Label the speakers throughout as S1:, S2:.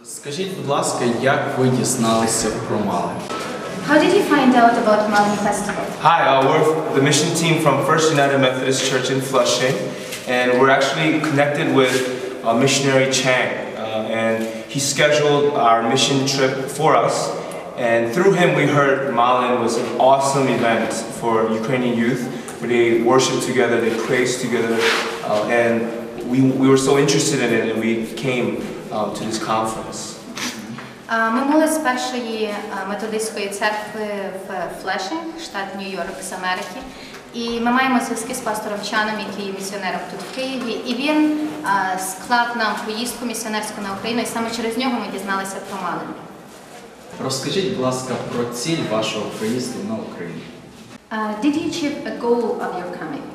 S1: Скажіть, будь ласка, як ви дізналися про Малин?
S2: How did you find out about Malin Festival?
S3: Hi, we're the mission team from First United Methodist Church in Flushing, and we're actually connected with missionary Chang, and he scheduled our mission trip for us, and through him we heard Malin was an awesome event for Ukrainian youth, where they worship together, they praise together, and we were so interested in it, and we came to this conference.
S2: Ми були з першої методистської церкви в Флешинг, штат Нью-Йорк з Америки. І ми маємо зв'язки з пастором Чаном, який є місіонером тут в Києві. І він склав нам поїздку місіонерську на Україну, і саме через нього ми дізналися про Малин.
S1: Розкажіть, будь ласка, про ціль вашого приїзду на Україну.
S2: Did you achieve a goal of your coming?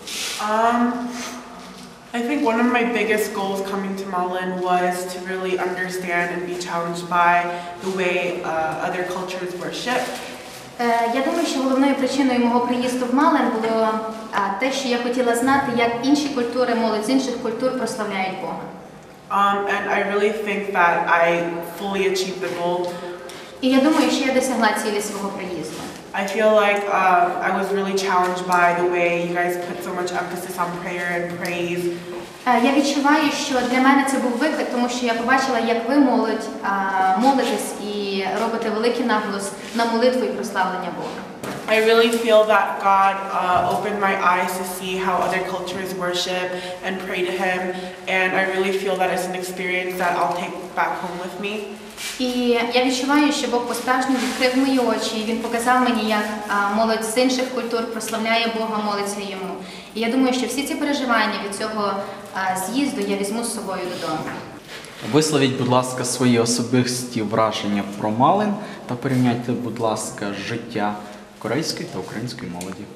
S4: I think one of my biggest goals coming to Malin was to really understand and be challenged by the way other cultures worship.
S2: Я думаю, що головною причиною мого приїзду в Малин було те, що я хотіла знати, як інші культури, молодь з інших культур прославляють Бога.
S4: And I really think that I fully achieved the goal.
S2: І я думаю, що я досягла цілі свого приїзду.
S4: I feel like I was really challenged by the way you guys put so much emphasis on prayer and praise.
S2: Я відчуваю, що для мене це був виклик, тому що я побачила, як ви молитесь і робите великий наголос на молитву і прославлення Бога.
S4: I really feel that God opened my eyes to see how other cultures worship and pray to Him, and I really feel that it's an experience that I'll take back home with me.
S2: І я відчуваю, що Бог по-справжньому відкрив мої очі, і Він показав мені, як молодь з інших культур прославляє Бога, молиться Йому. І я думаю, що всі ці переживання від цього з'їзду я візьму з собою додому.
S1: Висловіть, будь ласка, свої особисті враження про Малин та порівняйте, будь ласка, життя корейської та української молоді.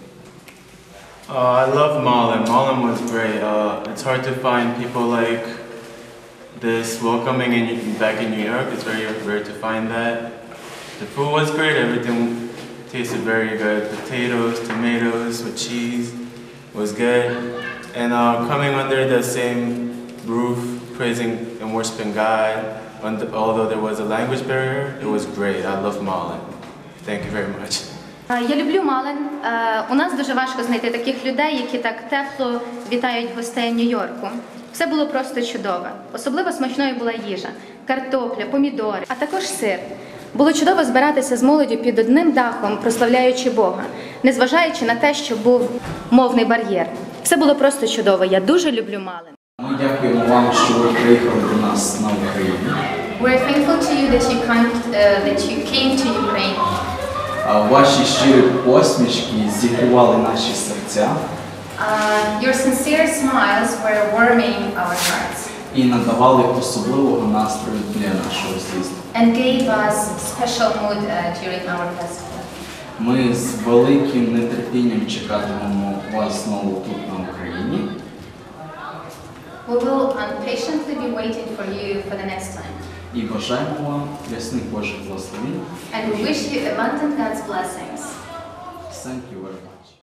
S5: I love Malin. Malin was great. It's hard to find people like this welcoming back in New York. It's very rare to find that. The food was great. Everything tasted very good. Potatoes, tomatoes with cheese was good. And coming under the same roof, praising and worshiping God, although there was a language barrier, it was great. I love Malin. Thank you very much.
S2: Я люблю Малин. У нас дуже важко знайти таких людей, які так тепло вітають гостей Нью-Йорку. Все було просто чудове. Особливо смачною була їжа, картопля, помідори, а також сир. Було чудово збиратися з молоддю під одним дахом, прославляючи Бога, незважаючи на те, що був мовний бар'єр. Все було просто чудово. Я дуже люблю Малин.
S1: Ми дякуємо вам, що ви приїхали до нас на Україну.
S2: We're thankful to you that you came to Ukraine.
S1: Ваші щирі посмішки зігрівали наші серця.
S2: Your sincere smiles were warming our hearts.
S1: І надавали особливого настрою для нашого з'їзду.
S2: And gave us special mood during our festival.
S1: Ми з великим нетерпінням чекатимемо вас знову тут на Україні.
S2: We will patiently be waiting for you for the next time.
S1: І бажаємо вам ясних Божих благословень.
S2: And we wish you abundant God's blessings.
S1: Thank you very much.